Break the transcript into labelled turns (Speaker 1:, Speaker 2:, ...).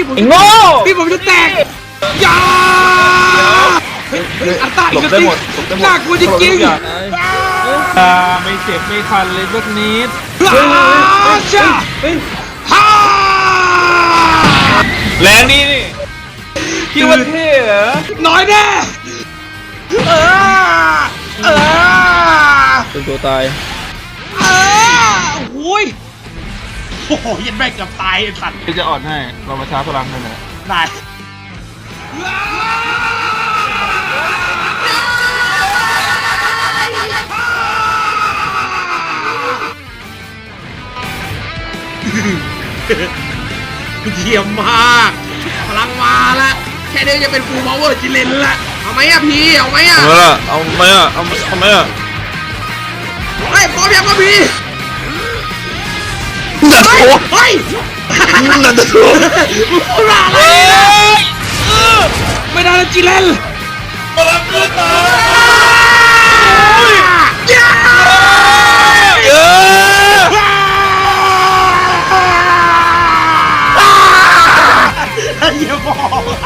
Speaker 1: พี่ผม
Speaker 2: ไอ้โง่
Speaker 1: พี่ผมจะแตกยาเฮ้ยอัตตา
Speaker 3: หล
Speaker 1: อีก
Speaker 3: บ
Speaker 1: แล้ว
Speaker 3: ได้
Speaker 1: สิ
Speaker 3: หมดหลบได้หมด
Speaker 1: น่ากลัวจริงๆ
Speaker 2: ไม่เจ็บไม่คันเลยสักนิด
Speaker 1: จ้า
Speaker 3: เฮ้ย
Speaker 1: ฮ่า
Speaker 2: แรงดีนี่คิดว่าเท่เหรอ
Speaker 1: น้อยแน่เออ
Speaker 2: เป็นตัวตาย
Speaker 1: โอ้ยโอ้โหยันแม่งเกือบตายไอ้สัตว์
Speaker 2: ที่จะอ่อนให้เรามาช้าพลังกันนะ
Speaker 1: ได้เยี่ยมมากพลังมาละแค่นี้จะเป็นฟูลพาวเวอร์จิเลนละเอาไหมอะพี่เอาไหมอะ
Speaker 3: เอาไหมอ่ะเอาไหมอ่ะ
Speaker 1: เฮ้ยพร้อมยังวะพี่
Speaker 3: นัด
Speaker 1: เฮ้ย
Speaker 3: โอ้
Speaker 1: เฮ้ย
Speaker 3: นัดโอ้
Speaker 1: พูดอะไรไม่ได้แล้วจิเลน
Speaker 3: พลังขึ้นมา
Speaker 1: ย่า อย่าบอก